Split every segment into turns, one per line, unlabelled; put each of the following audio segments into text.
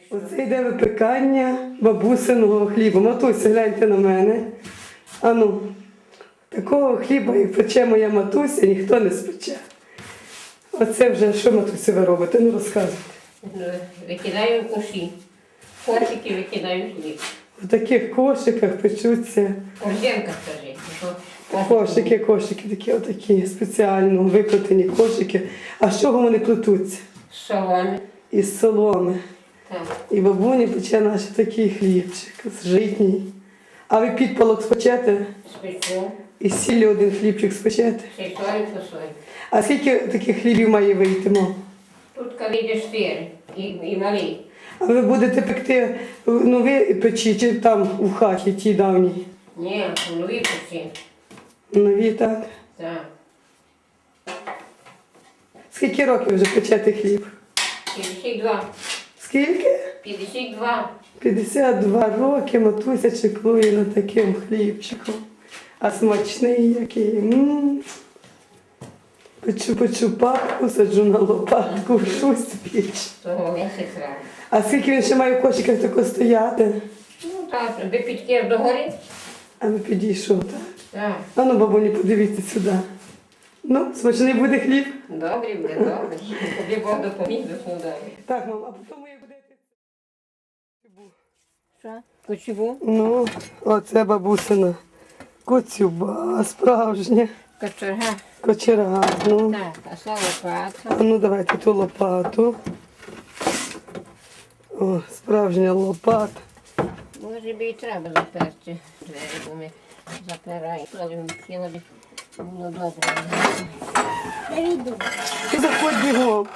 Оце йде випікання бабусиного хліба. Матуся, гляньте на мене. Ану, такого хліба, як пече моя матуся, ніхто не спече. Оце вже, що, матуся, ви робите? Ну, розказуйте.
Викидаю в коші. Кошики викидаю в хліб.
В таких кошиках печуться.
Корзинка, скажи.
Кошики такі, отакі, спеціально викотені кошики. А з чого вони плетуться?
З соломи.
Із соломи.
Так.
І бабуня пече наш такий хлібчик, житній. А ви підпалок спечете?
Спечу.
І з сіллю один хлібчик спечете?
Ще соль по соль.
А скільки таких хлібів має вийти, мам?
Тут коли йде 4 і малий.
А ви будете пекти в новій печі чи там у хаті тій давній?
Ні, в новій печі.
Нові, так?
Так.
Скільки років вже печете хліб?
52.
Скільки?
52.
52 роки матуся чеклує над таким хлібчиком. А смачний який. Печу папку, саджу на лопатку, вшусь піч.
Того місяць рано.
А скільки він ще має в кошиках тако стояти?
Ну так, аби підкер догори.
А ви підійшов, так?
Так.
А ну, бабуні, подивіться сюди. Ну, смачний буде хліб?
Добре буде, добре. Тобі Бог допоміг до сюди.
Так, мам, а потім як будете...
Що? Кочеву?
Ну, оце бабусина коцюба справжня.
Кочерга.
Кочерга, ну.
Так, а це лопата.
А ну, давайте ту лопату. О, справжня лопата.
Може би і треба заперти двері, бо ми запираємо. Але ми хотіли б, було добре. Я йду.
Ти заходь бігом.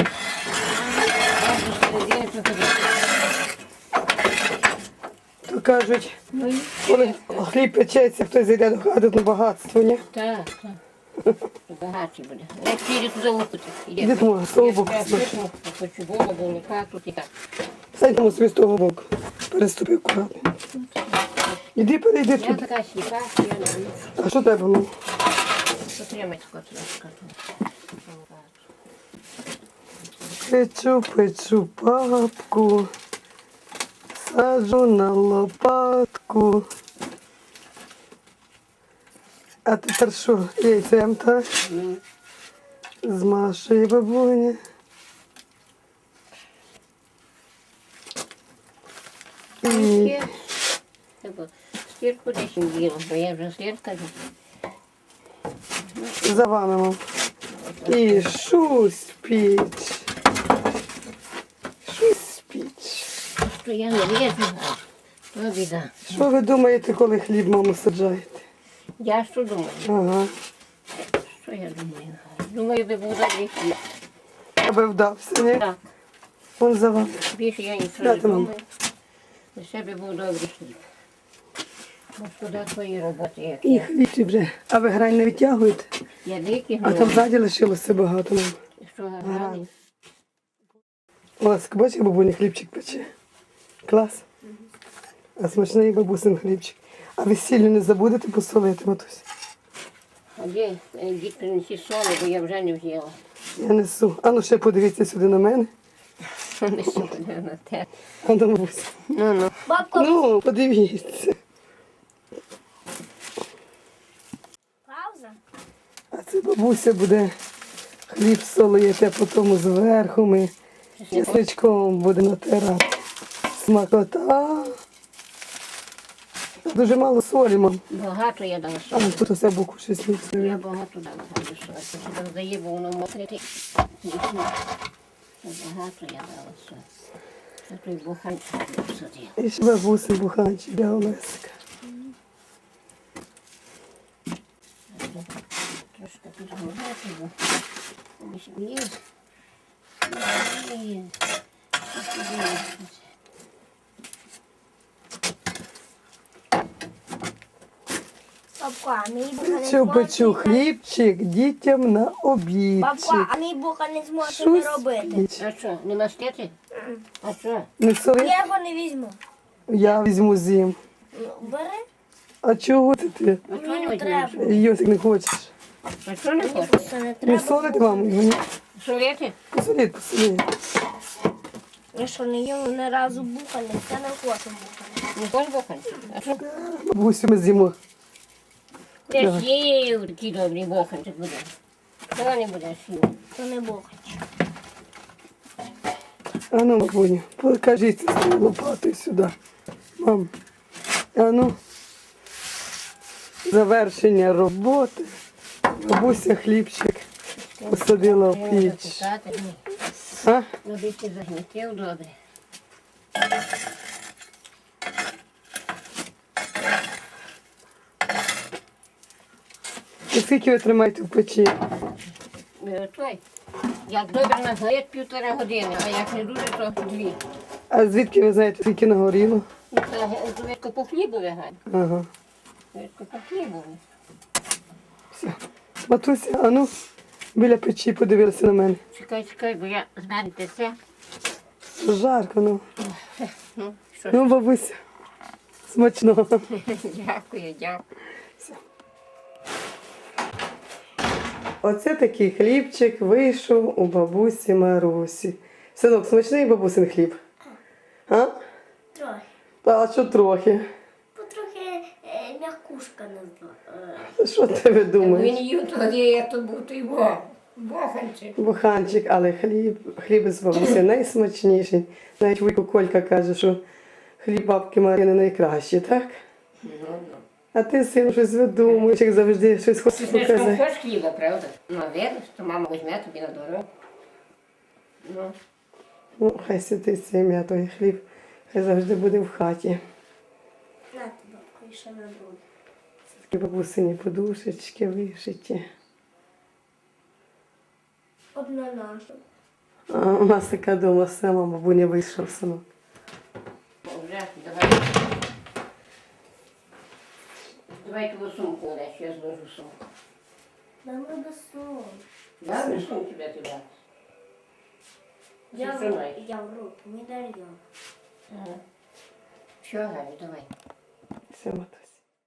То кажуть, коли хліб печеться, хтось зайде до хати, то багатство, ні?
Так, так. Багатий буде. Я піду туди лупити.
Іди тому, з того боку.
Хочу голову, тут і так.
Сань тому собі з того боку. Переступи акуратно. Іди, перейди
Я
тут.
така сліпа, що я не вмію.
А що треба, ну?
Потримай тако трошки.
Печу папку, саджу на лопатку. А тепер що, яйцем, так? Змашує бабуня. І
Стірку десь діло, бо я вже стірка.
за вами, мам. І шусь піч. Шусь піч.
Що я не вірю, то біда.
Що ви думаєте, коли хліб, маму, саджаєте?
Я що думаю?
Ага.
Що я думаю? Думаю, би був добрий хліб.
Аби вдався, ні?
Так.
Вон за вами.
Більше я нічого не
Дайте, мам.
думаю. Лише би був добрий хліб. Бо куди твої роботи, як
І
я.
хлібчик вже. А ви грань не відтягуєте?
Я
А
викигнула.
там ззаді лишилося багато, мам.
Що гарний.
Ось, бачиш, бабуня хлібчик пече. Клас. А смачний бабусин хлібчик. А ви сіллю не забудете посолити, матусь?
А де дід принесі соли, бо я вже не взяла.
Я несу. А ну ще подивіться сюди на мене.
Не сюди на те.
А на бабусь.
Ну.
Ну, подивіться.
Пауза.
А це бабуся буде хліб солити, а потім зверху ми чесничком буде натирати. Смакота. Дуже мало солі, мам.
Багато я дала
А
солі.
тут усе боку щось не
Я
все.
багато дала солі. Це додає, бо воно мокрити. Багато я дала солі. Це той буханчик посадив.
І ще бабуси буханчик для Олесика.
Трошки підгорати, бо є. Є.
Бабко, а мій буха не
Печу
зможе.
хлібчик дітям на
Бабко,
обідчик.
а мій буха не зможе
Щось
не робити.
піч.
А що, не мастити? А що?
Не соли?
Я його не візьму.
Я візьму зім.
Ну, бери.
А чого ти?
А що не
Ну,
візьмеш?
треба.
Йосик не хочеш?
А що не хочеш?
Просто не
Не
треба.
солити, маму? Ні.
Солити?
Посоліть, посоліть.
Я що не їла ні разу бухали, я не хочу бухали.
Не хочеш боханці? А що?
Бабусю, ми з'їмо.
Ти ж їв такий добрий боханчик буде. Чого не будеш їв?
То не бухать.
А ну, бабуню, покажіть з тою лопатою сюди. Мам, а ну, завершення роботи. Бабуся хлібчик посадила в піч. А?
Ну, більше загнітив добре.
І скільки ви тримаєте в печі?
Той. Як добре нагорить 1,5 години, а як не дуже, то 2.
А звідки ви знаєте, скільки нагоріло?
Ну, це видко по хлібу вигань.
Ага.
Видко по хлібу.
Все. Матуся, а ну, біля печі подивилася на мене.
Чекай, бо я зменте це.
Жарко, ну.
Ну, що ж.
Ну, бабуся, смачного.
Дякую.
Оце такий хлібчик вийшов у бабусі Марусі. Синок, смачний бабусин хліб? А?
Трохи.
А що трохи?
Потрохи м'якушка не
Що ти ви думаєш?
Він їв тоді, як то був той боханчик.
Буханчик, але хліб з бабусі найсмачніший. Навіть вуйко Колька каже, що хліб бабки Марини найкращий, так?
Ну.
А ти, син, щось видумуєш, як завжди, щось хочеш
Ти ж не
показати.
хочеш хліба, правда? Ну, видиш, то мама візьме тобі на дорогу. Ну,
Ну, хай святить ім'я той хліб, хай завжди буде в хаті.
На тебе, і ще не буде.
Такі бабусині подушечки вишиті.
Одна наша.
А у нас така дома сама, бабуня вийшов синок.
вже, давай. Давай твою сумку, Олег, я зложу сумку.
Нам надо сон.
Да, ну что у тебя туда?
Я
Зажимай.
в руку, не дарю.
Ага. Все, Галя, давай.
Все, матусь.